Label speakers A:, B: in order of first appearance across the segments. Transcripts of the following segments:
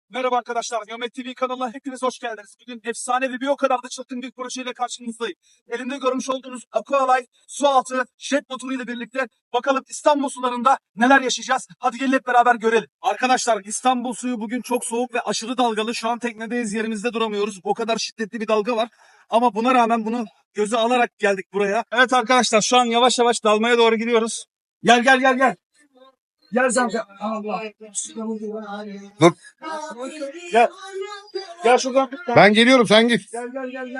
A: Merhaba arkadaşlar, Geomet TV kanalına hepiniz hoş geldiniz. Bugün efsanevi bir o kadar da çılgın bir projeyle karşınızdayım. Elimde görmüş olduğunuz Aqualife su altı jet motoru ile birlikte bakalım İstanbul sularında neler yaşayacağız. Hadi gelin hep beraber görelim. Arkadaşlar İstanbul suyu bugün çok soğuk ve aşırı dalgalı. Şu an teknedeyiz, yerimizde duramıyoruz. O kadar şiddetli bir dalga var. Ama buna rağmen bunu göze alarak geldik buraya. Evet arkadaşlar, şu an yavaş yavaş dalmaya doğru gidiyoruz. Gel. Gel Zamca. Allah.
B: Dur.
A: Gel. Gel şuradan.
B: Ben geliyorum, sen git.
A: Gel.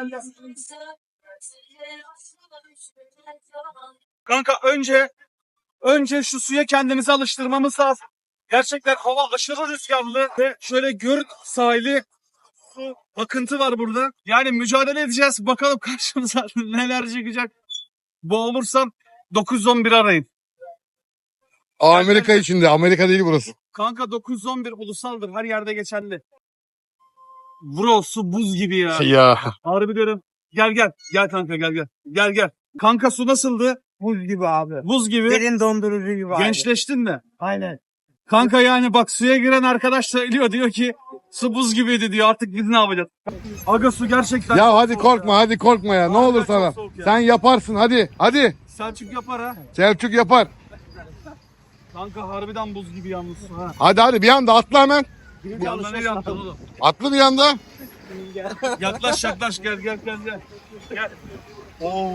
A: Kanka önce şu suya kendimizi alıştırmamız lazım. Gerçekten hava aşırı rüzgarlı ve şöyle gör sahili su akıntı var burada. Yani mücadele edeceğiz. Bakalım karşımıza neler çıkacak. Boğulursam 911 arayın.
B: Amerika içinde, Amerika değil burası.
A: Kanka 911 ulusaldır. Her yerde geçerli. Bro su buz gibi ya.
B: Ya.
A: Harbi diyorum. Gel. Gel kanka gel. Kanka su nasıldı?
C: Buz gibi abi.
A: Buz gibi.
C: Derin dondurucu gibi abi.
A: Gençleştin mi?
C: Aynen.
A: Kanka yani bak suya giren arkadaş söylüyor. Diyor ki su buz gibiydi diyor. Artık biz ne yapacağız? Aga su gerçekten.
B: Ya hadi korkma ya. Ne olur sana. Sen yaparsın hadi.
A: Selçuk yapar ha.
B: Selçuk yapar.
A: Kanka harbiden buz gibi yalnız su ha.
B: Hadi bir anda atla hemen.
A: Bir anda ne yaptın oğlum?
B: Atla bir anda.
A: Yaklaş gel. Gel. Oo.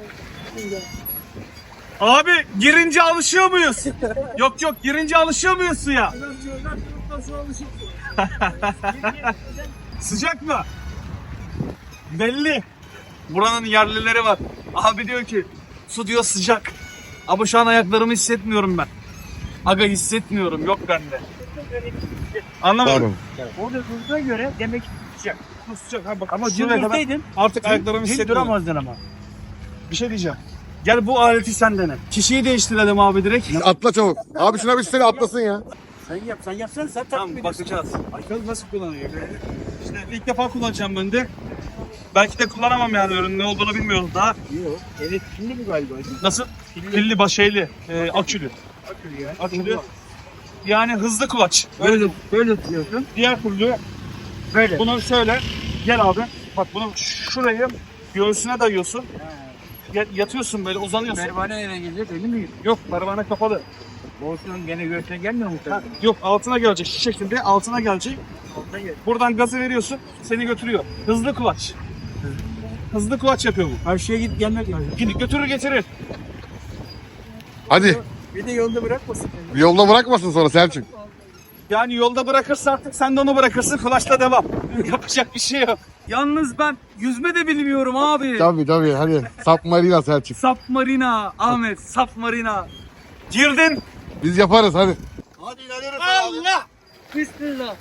A: Abi girince alışıyor muyuz? Yok girince alışıyor muyuz suya? Sıcak mı? Belli. Buranın yerlileri var. Abi diyor ki su diyor sıcak. Ama şu an ayaklarımı hissetmiyorum ben. Aga hissetmiyorum, yok bende. Anlamadım.
C: Orada durduğuna göre demek ki sıcak.
A: Sıcak ha bak.
C: Ama dün
A: şuraya kadar
C: dursaydın,
A: artık ayaklarımı
C: hiç
A: hissetmiyorum.
C: duramazdın ama.
A: Bir şey diyeceğim. Gel bu aleti sen dene. Kişiyi değiştirelim abi direkt.
B: Atla çabuk. Abi şuna bir seni atlasın ya.
C: Sen yapsan sen
A: Tamam bakacağız. Bakalım nasıl kullanıyor. İşte ilk defa kullanacağım ben de. Belki de kullanamam yani, ürünün ne olduğunu bilmiyorum daha.
C: Yok. Evet şimdi mi galiba?
A: Nasıl? Pilli başeyli, akülü. Akülü. Yani hızlı kulaç.
C: Böyle tutuyorsun.
A: Diğer türlü
C: Böyle.
A: bunu şöyle, gel abi. Bak bunu şurayı göğsüne dayıyorsun. Yatıyorsun böyle, uzanıyorsun.
C: Pervane eve gelecek öyle mi?
A: Yok, pervane kapalı.
C: Olsun gene göğsüne gelmiyor mu?
A: Yok, altına gelecek, şu şekilde altına gelecek. Buradan gazı veriyorsun, seni götürüyor. Hızlı kulaç. Hızlı kulaç yapıyor bu.
C: Karşıya git gelmek lazım.
A: Götürür getirir.
B: Hadi.
C: Bir de yolda bırakmasın.
B: Yolda bırakmasın sonra Selçuk.
A: Yani yolda bırakırsa artık sen de onu bırakırsın, kulaçla devam. Yapacak bir şey yok. Yalnız ben yüzme de bilmiyorum abi.
B: Tabii hadi. Submarina Selçuk.
A: Submarina Ahmet, Submarina. Girdin.
B: Biz yaparız hadi.
A: Allah!
C: Bismillah.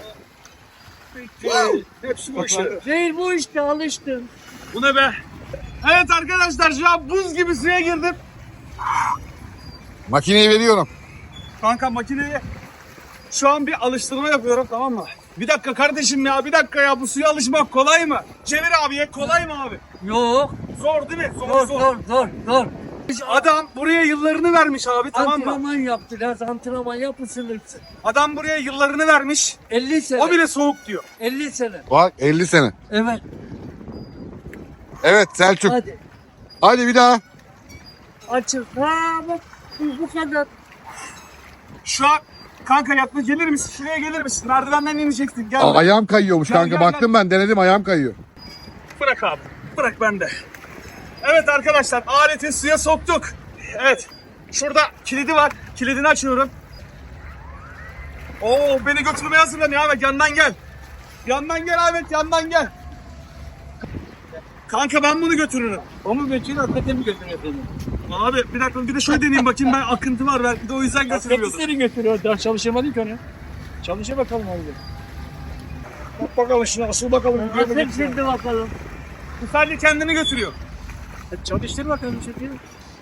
A: Hepsi boş ver.
C: Değil bu işte alıştım.
A: Bu ne be? Evet arkadaşlar, şu an buz gibi suya girdim.
B: Makineyi veriyorum.
A: Kanka makineye şu an bir alıştırma yapıyorum, tamam mı? Bir dakika kardeşim ya, bir dakika ya, bu suya alışmak kolay mı? Çevir abiye, kolay mı abi?
C: Yok.
A: Zor değil mi?
C: Zor.
A: Adam buraya yıllarını vermiş abi, tamam mı?
C: Antrenman yaptı. Biraz antrenman yapmışsın.
A: Adam buraya yıllarını vermiş.
C: 50 sene.
A: O bile soğuk diyor.
C: 50 sene.
B: Bak 50 sene.
C: Evet.
B: Evet Selçuk. Hadi bir daha.
C: Açıl. Ha bak bu kadar.
A: Şu an kanka yakma, gelir misin? Şuraya gelir misin? Merdivenden ineceksin. Gel.
B: Ayağım kayıyormuş
A: Gel,
B: kanka.
A: gel,
B: Baktım ben denedim, ayağım kayıyor.
A: Bırak abi. Bırak bende. Evet arkadaşlar, aleti suya soktuk. Evet. Şurada kilidi var. Kilidini açıyorum. Oo, beni götürmeye hazırlanıyor Ahmet. Yandan gel. Yandan gel Ahmet. Yandan gel. Kanka ben bunu götürürüm.
C: O mu götürüyor, hakikaten mi götürüyor seni?
A: Abi bir dakika, bir de şöyle deneyeyim bakayım, ben akıntı var belki de o yüzden götürmüyordum.
C: Senin götürüyor. Daha çalışamadın ki onu. Çalışa bakalım abi.
A: Bak bakalım şuna, asıl bakalım.
C: Hep şimdi bakalım.
A: Bu sadece kendini götürüyor.
C: Çalıştır bakalım çünkü.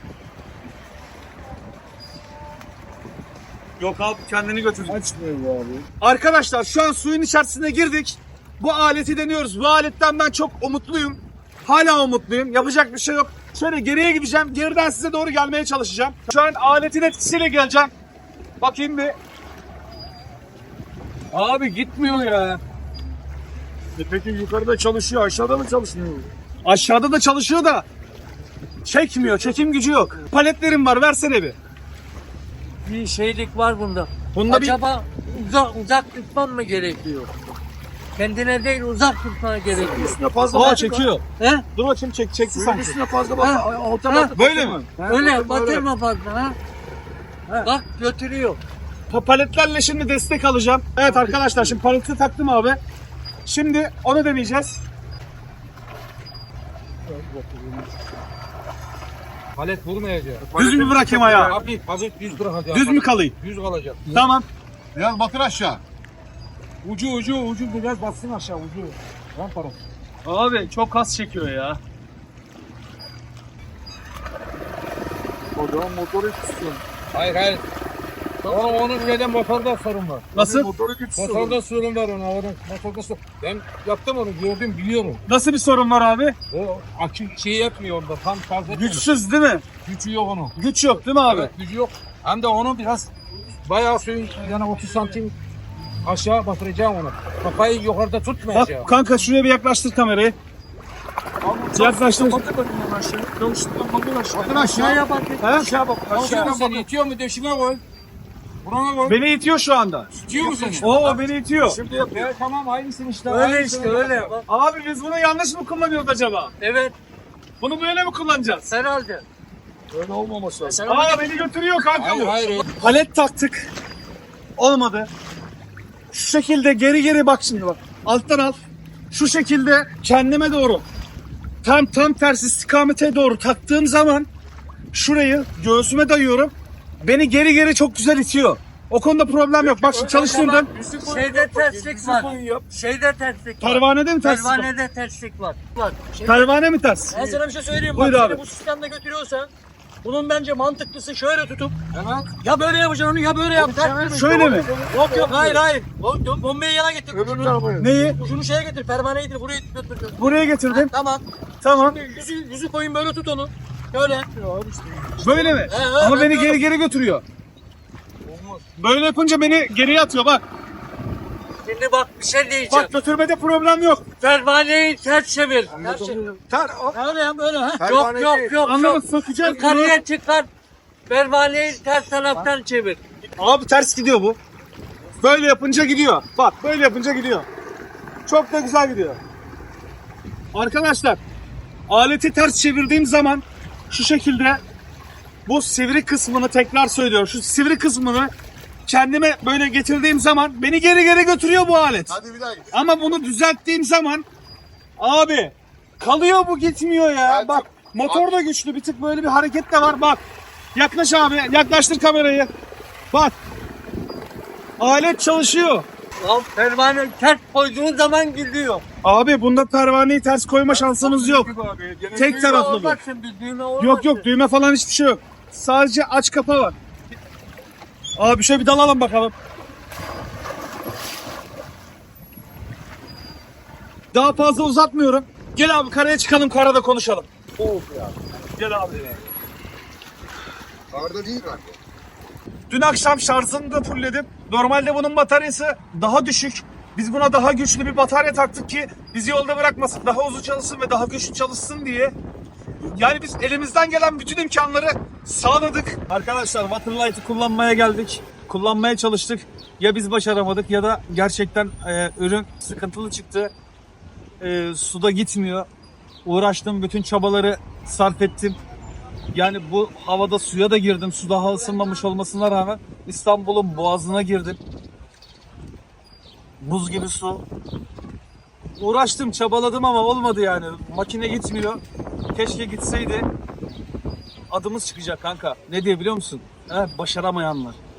A: Yok abi, kendini götürüyor.
C: Açmıyor bu abi.
A: Arkadaşlar şu an suyun içerisine girdik. Bu aleti deniyoruz. Bu aletten ben çok umutluyum. Hala umutluyum. Yapacak bir şey yok. Şöyle geriye gideceğim. Geriden size doğru gelmeye çalışacağım. Şu an aletin etkisiyle geleceğim. Bakayım bir. Abi gitmiyor ya.
D: Peki yukarıda çalışıyor, aşağıda mı çalışmıyor?
A: Aşağıda da çalışıyor da çekmiyor. Çekim gücü yok. Paletlerim var. Versene bir.
C: Bir şeylik var bunda.
A: Bunda
C: Acaba uzak tutman mı gerekiyor? Kendine değil uzak tutman gerekiyor.
D: Üstüne fazla
A: Aa
D: bak.
A: çekiyor.
C: He?
A: Dur bakayım çekti
D: Suyun
A: sanki.
D: üstüne fazla bak.
C: Ha.
D: Alta
C: Ha.
D: bak.
A: Böyle mi?
C: Öyle batırma fazla ha. Bak götürüyor.
A: Paletlerle şimdi destek alacağım. Evet arkadaşlar şimdi paleti taktım abi. Şimdi onu deneyeceğiz.
E: Palet vurmayacak.
A: Düz mü bırakayım ayağı?
E: Abi palet düz bırakacak.
A: Düz mü kalayım?
E: Düz kalacak.
A: Tamam.
B: Biraz batır aşağı.
E: Ucu biraz bassın aşağı ucu. Lan para.
A: Abi çok az çekiyor ya.
D: O zaman motoru tutuyorsun.
E: Hayır. Onun neden motorda sorun var.
A: Nasıl?
D: Motoru tutuyorsun.
E: Motorda sorun var ona. Motorda sorun. Ben yaptım onu gördüm biliyorum.
A: Nasıl bir sorun var abi?
E: O akü şey yapmıyor onda tam fazla.
A: Güçsüz değil mi?
E: Gücü yok onun.
A: Güç yok değil mi abi?
E: Evet gücü yok. Hem de onu biraz bayağı suyun yani 30 santim aşağı batıracağım onu. Kafayı yukarıda tutmayacağım.
A: Bak kanka şuraya bir yaklaştır kamerayı. Yaklaştır.
D: Batır bakayım onu aşağı. Yavuşluktan bakın aşağı.
B: Batır aşağı.
A: He?
D: Aşağı bak.
E: Aşağı
D: Aşağı
E: seni itiyor mu döşime koy. Burana koy.
A: Beni itiyor şu anda.
E: İtiyor mu seni?
A: Oo beni itiyor.
D: Şimdi yapıyor.
E: Tamam aynısın işte.
C: Öyle
E: aynısını
C: işte öyle.
E: yap.
C: Bak,
A: Abi biz bunu yanlış mı kullanıyoruz acaba?
C: evet
A: Bunu böyle mi kullanacağız?
C: herhalde.
D: Öyle olmaması lazım.
A: Aa beni götürüyor kanka bu.
E: Hayır.
A: Palet taktık. Olmadı. Şu şekilde geri bak şimdi bak. Alttan al. Şu şekilde kendime doğru. Tam ters istikamete doğru taktığım zaman şurayı göğsüme dayıyorum. Beni geri çok güzel itiyor. O konuda problem yok. Bak şimdi çalıştırdım.
C: Şeyde terslik var. Şeyde terslik var.
A: Pervanede mi ters?
C: Pervanede terslik var. Var.
A: Pervane mi ters?
F: Ben sana bir şey söyleyeyim.
A: Buyur
F: Bak
A: abi.
F: seni bu sistemde götürüyorsan bunun bence mantıklısı şöyle tutup ya böyle yapacaksın onu ya böyle yapacaksın.
A: Şöyle mi?
F: Yok hayır. Bombayı yana getir.
D: Öbür tarafa.
A: Neyi?
F: Şunu şeye getir, pervaneyi getir, buraya götür.
A: Buraya getirdim.
F: Tamam.
A: Tamam.
F: Yüzü koyun böyle tut onu. Şöyle.
A: Böyle mi? Ama beni geri götürüyor. Böyle yapınca beni geriye atıyor bak.
C: Şimdi bak bir şey diyeceğim.
A: Bak götürmede problem yok.
C: Pervaneyi ters çevir.
F: Öyle ya böyle ha.
C: Yok.
A: Anladın sökeceğim.
C: Yukarıya çıkar. Pervaneyi ters taraftan çevir.
A: Abi ters gidiyor bu. Böyle yapınca gidiyor. Bak böyle yapınca gidiyor. Çok da güzel gidiyor. Arkadaşlar aleti ters çevirdiğim zaman şu şekilde bu sivri kısmını tekrar söylüyorum. Şu sivri kısmını kendime böyle getirdiğim zaman beni geri götürüyor bu alet.
B: Hadi bir daha git.
A: Ama bunu düzelttiğim zaman abi kalıyor bu gitmiyor ya.
B: Evet,
A: Bak motor da güçlü bir tık böyle bir hareket de var bak. Yaklaş abi yaklaştır kamerayı. Bak alet çalışıyor.
C: Lan pervane ters koyduğun zaman gidiyor.
A: Abi bunda pervaneyi ters koyma şansımız yok. Tek taraflı bu.
C: Olmasın bir düğme olmasın.
A: Yok düğme falan hiçbir şey yok. Sadece aç kapa var. Abi şöyle bir dalalım bakalım. Daha fazla uzatmıyorum. Gel abi karaya çıkalım karada konuşalım. Gel abi.
B: Karda değil mi?
A: Dün akşam şarjını da fullledim. Normalde bunun bataryası daha düşük. Biz buna daha güçlü bir batarya taktık ki bizi yolda bırakmasın. Daha uzun çalışsın ve daha güçlü çalışsın diye. Yani biz elimizden gelen bütün imkanları sağladık. Arkadaşlar Waterlight'ı kullanmaya geldik. Kullanmaya çalıştık. Ya biz başaramadık ya da gerçekten ürün sıkıntılı çıktı. Suda gitmiyor. Uğraştım, bütün çabaları sarf ettim. Yani bu havada suya da girdim. Su daha ısınmamış olmasına rağmen İstanbul'un boğazına girdim. Buz gibi su. Uğraştım, çabaladım ama olmadı yani. Makine gitmiyor. Keşke gitseydi. Adımız çıkacak kanka. Ne diye biliyor musun? Başaramayanlar.